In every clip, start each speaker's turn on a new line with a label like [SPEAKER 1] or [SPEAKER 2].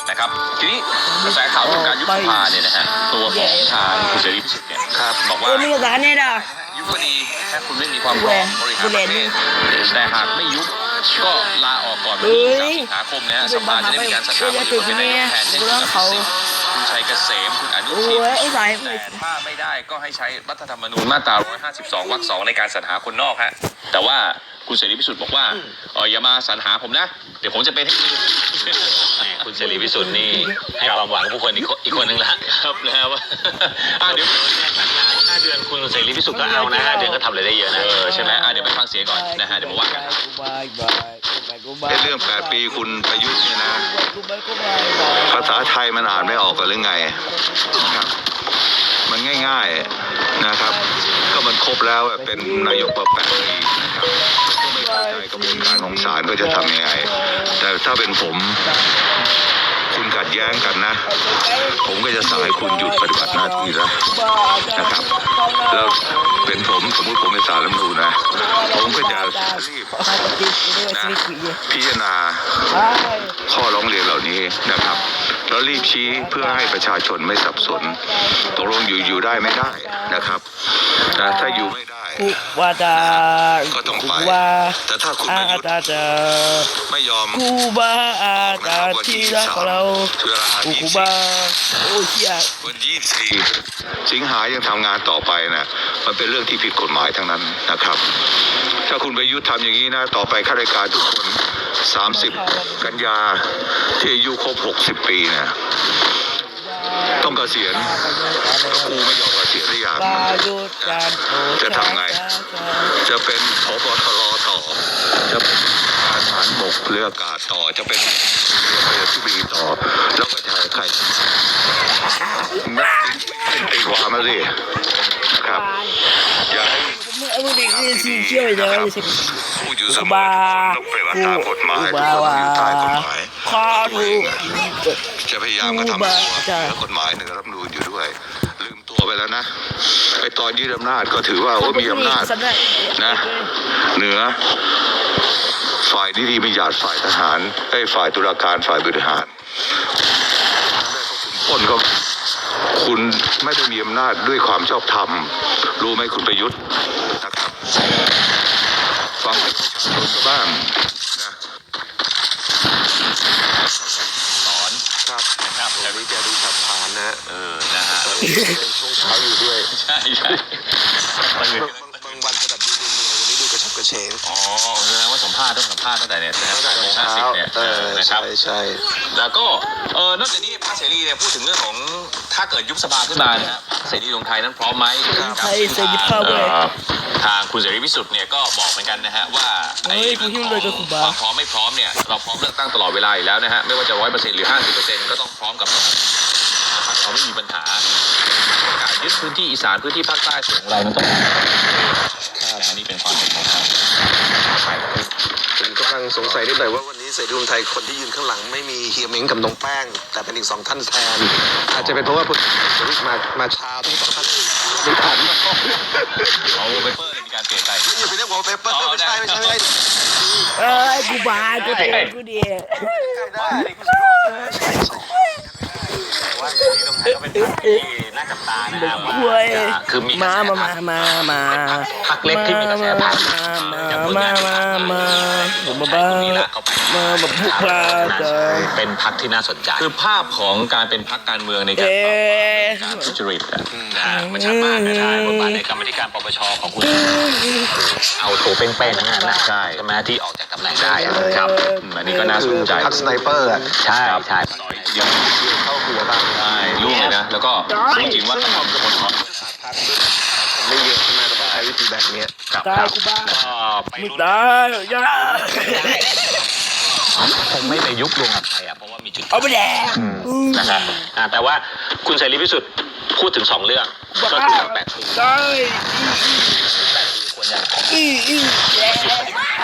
[SPEAKER 1] นะครับทีนี้กระแสข่าวเรื่องการยุบสภาเนี่ยนะฮะตัวของทางคุณเสรีพิสุทธิ์เนี่ยบอกว่า
[SPEAKER 2] ไม่ได้เนี่ยด่า
[SPEAKER 1] ยุบก็ดีถ้าคุณไม่มีความพร้อมบริหารประเทศแต่หากไม่ยุบก็ลาออกก่อนวันที่3 สิงหาคมนะฮะสภาจะได้มีการสรรหาผู้เป็นนายกแทนคุณคุณชัยเกษมคุณอนุทินแต่ถ้าไม่ได้ก็ให้ใช้รัฐธรรมนูญมาตรา152 วรรค 2ในการสรรหาคนนอกฮะแต่ว่าคุณเสรีพิสุทธิ์บอกว่าอย่ามาสรรหาผมนะเดี๋ยวผมจะเป็น
[SPEAKER 3] คุณเสรีพิสุทธิ์นี่ให้ความหวังผู้คนอีกคนนึงละ
[SPEAKER 1] ครับนะครับว่า
[SPEAKER 3] เดี๋ยว5 เดือนคุณเสรีพิสุทธิ์ก็เอานะ5 เดือนก็ทำอะไรได้เยอะนะ
[SPEAKER 1] ใช่ไหมเดี๋ยวไปฟังเสียงก่อนนะฮะเดี๋ยวมาว่ากัน
[SPEAKER 4] เรื่อง8 ปีคุณประยุทธ์เนี่ยนะภาษาไทยมันอ่านไม่ออกกันหรือไงครับมันง่ายๆนะครับก็มันครบแล้วเป็นนายกมา8 ปีนะครับก็ไม่เข้าใจกระบวนการของศาลก็จะทำยังไงแต่ถ้าเป็นผมคุณขัดแย้งกันนะผมก็จะสั่งให้คุณหยุดปฏิบัติหน้าที่แล้วนะครับแล้วเป็นผมสมมติผมเป็นศาลรัฐธรรมนูญนะผมก็จะรีบนะพิจารณาข้อร้องเรียนเหล่านี้นะครับแล้วรีบชี้เพื่อให้ประชาชนไม่สับสนตกลงอยู่ได้ไม่ได้นะครับนะถ้าอยู่ไม่ได้ก็ต้องไปแต่ถ้าคุณไม่หยุดไม่ยอมนะครับวันที่วัน24 สิงหายังทำงานต่อไปนะมันเป็นเรื่องที่ผิดกฎหมายทั้งนั้นนะครับถ้าคุณประยุทธ์ทำอย่างนี้นะต่อไปข้าราชการทุกคน30 กันยาที่อายุครบ60 ปีเนี่ยต้องเกษียณแล้วกูไม่ยอมเกษียณหรือยังจะทำไงจะเป็นผบ.ตร.ต่อจะเป็นทหารบกเรืออากาศต่อจะเป็นเรือที่บีต่อแล้วก็ใครตีความมาสินะครับอย่าให้ผู้อยู่เสมอต้องปฏิบัติตามกฎหมายทุกคนอยู่ใต้กฎหมายตัวเองจะพยายามกระทำตัวเหนือกฎหมายเหนือรัฐธรรมนูญอยู่ด้วยลืมตัวไปแล้วนะไอตอนยึดอำนาจก็ถือว่ามีอำนาจนะเหนือฝ่ายนิติบัญญัติฝ่ายทหารฝ่ายตุลาการฝ่ายบริหารคนก็คุณไม่ได้มีอำนาจด้วยความชอบธรรมรู้ไหมคุณประยุทธ์นะครับฟังประชาชนบ้างนะ
[SPEAKER 1] สอน
[SPEAKER 4] ครับแต่นี้แกดูฉับพลันนะ
[SPEAKER 1] นะฮะ
[SPEAKER 4] ช่วงเช้าอยู่ด้วย
[SPEAKER 1] ใช่
[SPEAKER 4] บางวันจะแบบดูเหนื่อยวันนี้ดูกระฉับกระเฉง
[SPEAKER 1] แสดงว่าสัมภาษณ์ตั้งแต่เนี่ย
[SPEAKER 4] ตั้งแต่เช้า
[SPEAKER 1] นะครับ
[SPEAKER 4] ใช่
[SPEAKER 1] แล้วก็นอกจากนี้พรรคเสรีเนี่ยพูดถึงเรื่องของถ้าเกิดยุบสภาขึ้นมานะฮะเสรีรวมไทยนั้นพร้อมไหมทางคุณเสรีพิสุทธิ์เนี่ยก็บอกเหมือนกันนะฮะว่าความพร้อมไม่พร้อมเนี่ยเราพร้อมเลือกตั้งตลอดเวลาอยู่แล้วนะฮะไม่ว่าจะ100%หรือ50%ก็ต้องพร้อมกับเราไม่มีปัญหาการยึดพื้นที่อีสานพื้นที่ภาคใต้ส่วนของเรามันต้องนี่เป็นความเห็นของทาง
[SPEAKER 4] ผมกำลังสงสัยนิดหน่อยว่าวันนี้เสรีรวมไทยคนที่ยืนข้างหลังไม่มีเฮียเม้งกับน้องแป้งแต่เป็นอีก2 ท่านแทนอาจจะเป็นเพราะว่าพลเอกมาช้าทั้ง2 ท่านไม่ทัน
[SPEAKER 1] เอาเปเปอร์มีการเปลี่ยนใจ
[SPEAKER 4] อย่าไปเรียกว่าเปเปอร์ไม่ใช่
[SPEAKER 2] กูบากูเตะกูเดีย
[SPEAKER 3] ว่าเสรีรวมไทยก็เป็นพรรคที่น่าจับตานะครับ
[SPEAKER 2] คือมีมา
[SPEAKER 3] พรรคเล็กที่มีกระแสผ่านเป็นพรรคที่น่าสนใจ
[SPEAKER 1] คือภาพของการเป็นพรรคการเมืองในการทุจริต
[SPEAKER 3] มันชัดมากนะบทบาทในกรรมธิการปปชของคุณเอาโถเป้งๆทั้งนั้นนะใช่ไหมที่ออกจากตำแหน่งได้
[SPEAKER 1] ครับอันนี้ก็น่าสนใจ
[SPEAKER 4] พรรคสไนเปอร์
[SPEAKER 3] ใช่
[SPEAKER 1] เดียว
[SPEAKER 4] เข้าหัวบ้าง
[SPEAKER 1] ใช่ลูกเลยนะแล้วก็จริงๆว่าต้องกระบวนการ
[SPEAKER 4] ไม่เยอะใช่ไหมต้องใช้วิธีแบบนี้
[SPEAKER 2] ตายกูบ้ามึงตายยา
[SPEAKER 3] คงไม่ไปยุบรวมกับใครเพราะว่ามีจุด
[SPEAKER 2] เอาไปแดง
[SPEAKER 3] นะครับแต่ว่าคุณเสรีพิสุทธิ์พูดถึง2 เรื่องก็คือ8 ปี
[SPEAKER 2] ใช่
[SPEAKER 3] ควรจะ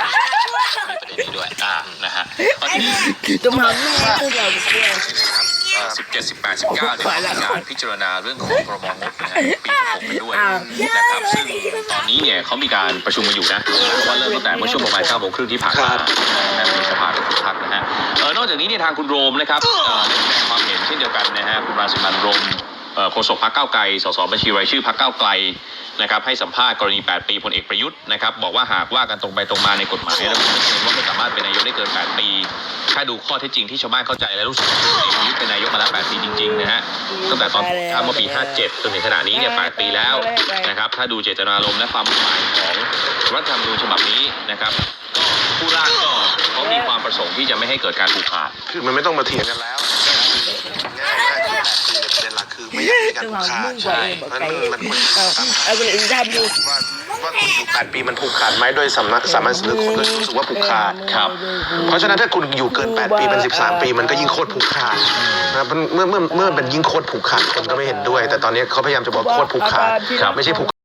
[SPEAKER 3] ประเด็นนี้ด้วย
[SPEAKER 1] นะฮะ
[SPEAKER 2] ต้องทำแม่ตัวเราด้วย
[SPEAKER 1] 17 18 19เนี่ยมีการพิจารณาเรื่องของพรบงบนะฮะปี66กันด้วยนะครับซึ่งตอนนี้เนี่ยเขามีการประชุมกันอยู่นะว่าเริ่มตั้งแต่เมื่อช่วงประมาณ 9:30 ที่ผ่านมาในสภาทุกพักนะฮะนอกจากนี้เนี่ยทางคุณโรมนะครับได้แสดงความเห็นเช่นเดียวกันนะฮะคุณรังสิมันต์โรมโฆษกพรรคก้าวไกลสสบัญชีรายชื่อพรรคก้าวไกลนะครับให้สัมภาษณ์กรณี8 ปีพลเอกประยุทธ์นะครับบอกว่าหากว่ากันตรงไปตรงมาในกฎหมายระบุชัดเจนว่าไม่สามารถเป็นนายกได้เกิน8 ปีถ้าดูข้อเท็จจริงที่ชาวบ้านเข้าใจและรู้สึกว่าพลเอกประยุทธ์เป็นนายกมาแล้ว8 ปีจริงๆนะฮะตั้งแต่ตอนข้ามเมื่อปี 57 จนถึงขณะนี้เนี่ย8 ปีแล้วนะครับถ้าดูเจตนารมณ์และความหมายของรัฐธรรมนูญฉบับนี้นะครับผู้ร่างก็เขามีความประสงค์ที่จะไม่ให้เกิดการผูกขาด
[SPEAKER 5] คือมันไม่ต้องมาเถียงกันแล้วง่ายๆคือ8 ปีในประเด็นหลักคือไม่อยากให้การผูกขาดใช่มันควร
[SPEAKER 2] เอาคนอื่นทำอยู่
[SPEAKER 5] ว่าคุณอยู่8 ปีมันผูกขาดไหมโดยสามัญสำนึกคนโดยรู้สึกว่าผูกขาด
[SPEAKER 1] ครับ
[SPEAKER 5] เพราะฉะนั้นถ้าคุณอยู่เกิน8 ปีเป็น13 ปีมันก็ยิ่งโคตรผูกขาดนะเมื่อเป็นยิ่งโคตรผูกขาดคนก็ไม่เห็นด้วย แต่ตอนนี้เขาพยายามจะบอกโคตรผูกขาดไม่ใช่ผูก